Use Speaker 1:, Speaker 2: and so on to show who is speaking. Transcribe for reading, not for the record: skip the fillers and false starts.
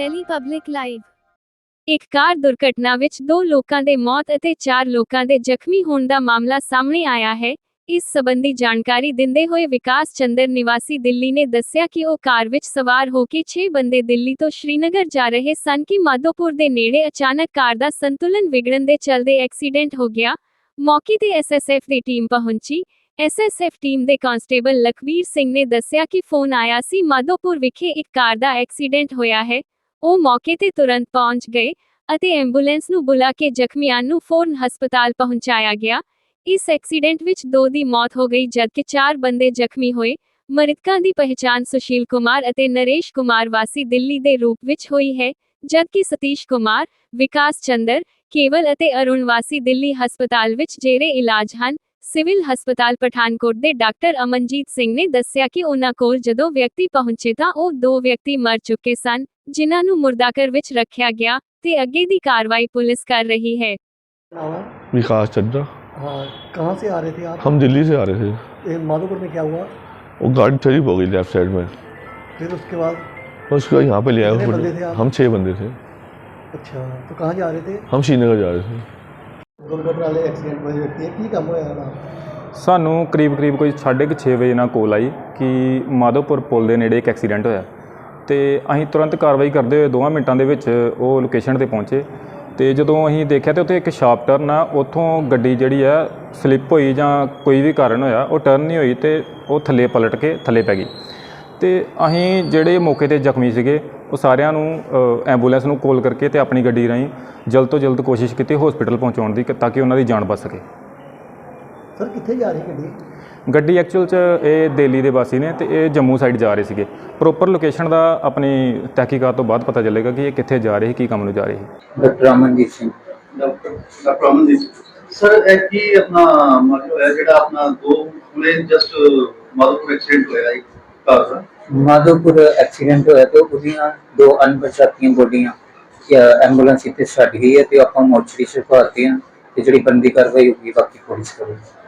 Speaker 1: Delhi public live. ਇੱਕ ਕਾਰ ਦੁਰਘਟਨਾ ਵਿੱਚ 2 ਲੋਕਾਂ ਦੇ ਮੌਤ ਅਤੇ 4 ਲੋਕਾਂ ਦੇ ਜ਼ਖਮੀ ਹੋਣ ਦਾ ਮਾਮਲਾ ਸਾਹਮਣੇ ਆਇਆ ਹੈ। ਇਸ ਸੰਬੰਧੀ ਜਾਣਕਾਰੀ ਦਿੰਦੇ ਹੋਏ ਵਿਕਾਸ ਚੰਦਰ ਨਿਵਾਸੀ ਦਿੱਲੀ ਨੇ ਦੱਸਿਆ ਕਿ ਉਹ ਕਾਰ ਵਿੱਚ ਸਵਾਰ ਹੋ ਕੇ 6 ਬੰਦੇ ਦਿੱਲੀ ਤੋਂ ਸ਼੍ਰੀਨਗਰ ਜਾ ਰਹੇ ਸਨ ਕਿ ਮਾਧੋਪੁਰ ਦੇ ਨੇੜੇ ਅਚਾਨਕ ਕਾਰ ਦਾ ਸੰਤੁਲਨ ਵਿਗੜਨ ਦੇ ਚੱਲਦੇ ਐਕਸੀਡੈਂਟ ਹੋ ਗਿਆ। ਮੌਕੇ ਤੇ ਐਸਐਸਐਫ ਦੀ ਟੀਮ ਪਹੁੰਚੀ। ਐਸਐਸਐਫ ਟੀਮ ਦੇ ਕਾਂਸਟੇਬਲ ਲਖਵੀਰ ਸਿੰਘ ਨੇ ਦੱਸਿਆ ਕਿ ਫੋਨ ਆਇਆ ਸੀ ਮਾਧੋਪੁਰ ਵਿਖੇ ਇੱਕ ਕਾਰ ਦਾ ਐਕਸੀਡੈਂਟ ਹੋਇਆ ਹੈ। ਉਹ ਮੌਕੇ ਤੇ ਤੁਰੰਤ ਪਹੁੰਚ ਗਏ ਅਤੇ ਐਂਬੂਲੈਂਸ ਨੂੰ ਬੁਲਾ ਕੇ ਜ਼ਖਮੀਆਂ ਨੂੰ ਫੌਰਨ ਹਸਪਤਾਲ ਪਹੁੰਚਾਇਆ ਗਿਆ। ਇਸ ਐਕਸੀਡੈਂਟ ਵਿੱਚ 2 ਦੀ ਮੌਤ ਹੋ ਗਈ ਜਦਕਿ 4 ਬੰਦੇ ਜ਼ਖਮੀ ਹੋਏ। ਮ੍ਰਿਤਕਾਂ ਦੀ ਪਹਿਚਾਣ ਸੁਸ਼ੀਲ ਕੁਮਾਰ ਅਤੇ ਨਰੇਸ਼ ਕੁਮਾਰ ਵਾਸੀ ਦਿੱਲੀ ਦੇ ਰੂਪ ਵਿੱਚ ਹੋਈ ਹੈ, ਜਦਕਿ ਸਤੀਸ਼ ਕੁਮਾਰ, ਵਿਕਾਸ ਚੰਦਰ, ਕੇਵਲ ਅਤੇ ਅਰੁਣ ਵਾਸੀ ਦਿੱਲੀ ਹਸਪਤਾਲ ਵਿੱਚ ਜੇਰੇ ਇਲਾਜ ਹਨ। ਸਿਵਲ ਹਸਪਤਾਲ ਪਠਾਨਕੋਟ ਦੇ ਡਾਕਟਰ ਅਮਨਜੀਤ ਸਿੰਘ ਨੇ ਦੱਸਿਆ ਕਿ ਉਹਨਾਂ ਕੋਲ ਜਦੋਂ ਵਿਅਕਤੀ ਪਹੁੰਚੇ ਤਾਂ ਉਹ 2 ਵਿਅਕਤੀ ਮਰ ਚੁੱਕੇ ਸਨ, ਜਿਨ੍ਹਾਂ ਨੂੰ ਮੁਰਦਾਘਰ ਵਿੱਚ ਰੱਖਿਆ ਗਿਆ ਤੇ ਅੱਗੇ ਦੀ कार्रवाई पुलिस कर रही है।
Speaker 2: विकास चड्ढा।
Speaker 3: हाँ, कहाँ से आ रहे थे आप?
Speaker 2: हम दिल्ली से आ रहे थे।
Speaker 3: माधोपुर में क्या हुआ?
Speaker 2: वो गाड़ी स्लिप हो गई लेफ्ट साइड में।
Speaker 3: फिर उसके बाद?
Speaker 2: उसको यहाँ पे ले आए।
Speaker 3: कितने बंदे थे आप?
Speaker 2: हम 6 बंदे थे।
Speaker 3: अच्छा, तो कहाँ जा रहे थे?
Speaker 2: हम श्रीनगर जा रहे थे।
Speaker 3: दुर्घटना वाले एक्सीडेंट वाले व्यक्ति है, की काम होया?
Speaker 4: ਸਾਨੂੰ ਕਰੀਬ ਕੋਈ 6:30 ਵਜੇ ਨਾਲ ਕੋਲ ਆਈ ਕਿ ਮਾਧੋਪੁਰ ਪੁਲ ਦੇ ਨੇੜੇ ਇੱਕ ਐਕਸੀਡੈਂਟ ਹੋਇਆ ਤੇ ਅਸੀਂ ਤੁਰੰਤ ਕਾਰਵਾਈ ਕਰਦੇ ਹੋਏ 2 ਮਿੰਟਾਂ ਦੇ ਵਿੱਚ ਉਹ ਲੋਕੇਸ਼ਨ ਤੇ ਪਹੁੰਚੇ ਤੇ ਜਦੋਂ ਅਸੀਂ ਦੇਖਿਆ ਤੇ ਉੱਥੇ ਇੱਕ ਸ਼ਾਰਪ ਟਰਨ ਆ, ਉੱਥੋਂ ਗੱਡੀ ਜਿਹੜੀ ਆ ਸਲਿੱਪ ਹੋਈ ਜਾਂ ਕੋਈ ਵੀ ਕਾਰਨ ਹੋਇਆ ਉਹ ਟਰਨ ਨਹੀਂ ਹੋਈ ਤੇ ਉਹ ਥੱਲੇ ਪਲਟ ਕੇ ਥੱਲੇ ਪੈ ਗਈ ਤੇ ਅਸੀਂ ਜਿਹੜੇ ਮੌਕੇ ਤੇ ਜ਼ਖਮੀ ਸੀਗੇ ਉਹ ਸਾਰਿਆਂ ਨੂੰ ਐਂਬੂਲੈਂਸ ਨੂੰ ਕਾਲ ਕਰਕੇ ਤੇ ਆਪਣੀ ਗੱਡੀ ਰਾਹੀਂ ਜਲਦ ਤੋਂ ਜਲਦ ਕੋਸ਼ਿਸ਼ ਕੀਤੀ ਹਸਪੀਟਲ ਪਹੁੰਚਾਉਣ ਦੀ ਤਾਂ ਕਿ ਉਹਨਾਂ ਦੀ ਜਾਨ ਬਚ ਸਕੇ।
Speaker 3: ਸਰ ਕਿੱਥੇ ਜਾ ਰਹੀ
Speaker 4: ਗੱਡੀ ਐਕਚੁਅਲ 'ਚ ਇਹ ਦਿੱਲੀ ਦੇ ਵਾਸੀ ਨੇ ਤੇ ਇਹ ਜੰਮੂ ਸਾਈਡ ਜਾ ਰਹੇ ਸੀਗੇ। ਪ੍ਰੋਪਰ ਲੋਕੇਸ਼ਨ ਦਾ ਆਪਣੀ ਤਹਿਕੀਕਾਤ ਤੋਂ ਬਾਅਦ ਪਤਾ ਚੱਲੇਗਾ ਕਿ ਇਹ ਕਿੱਥੇ ਜਾ ਰਹੇ ਕੀ ਕੰਮ ਨੂੰ ਜਾ ਰਹੇ ਸੀ।
Speaker 5: Doctor Amanjit Singh.
Speaker 6: Doctor Amanjit sir, ਇਹ ਕੀ ਆਪਣਾ ਮਤਲਬ ਹੈ ਜਿਹੜਾ ਆਪਣਾ 2 ਹੁਣੇ ਜਸਟ ਮਾਧੋਪੁਰ ਐਕਸੀਡੈਂਟ ਹੋਇਆ ਇੱਕ ਕਾਰ ਦਾ?
Speaker 5: ਮਾਧੋਪੁਰ ਐਕਸੀਡੈਂਟ ਹੋਇਆ ਤੇ ਉਹਦੀਆਂ 2 ਅਣਪਛਾਤੀਆਂ ਬੋਡੀਆਂ ਐਂਬੂਲੈਂਸ ਇੱਥੇ ਛੱਡ ਗਈ ਹੈ ਤੇ ਆਪਾਂ ਮੋਰਚਰੀ 'ਚ ਪਾਤੀ ਆ ਤੇ ਜਿਹੜੀ ਬੰਦੀ ਕਾਰਵਾਈ ਹੋਊਗੀ ਬਾਕੀ ਪੁਲਿਸ ਕਰੇਗੀ।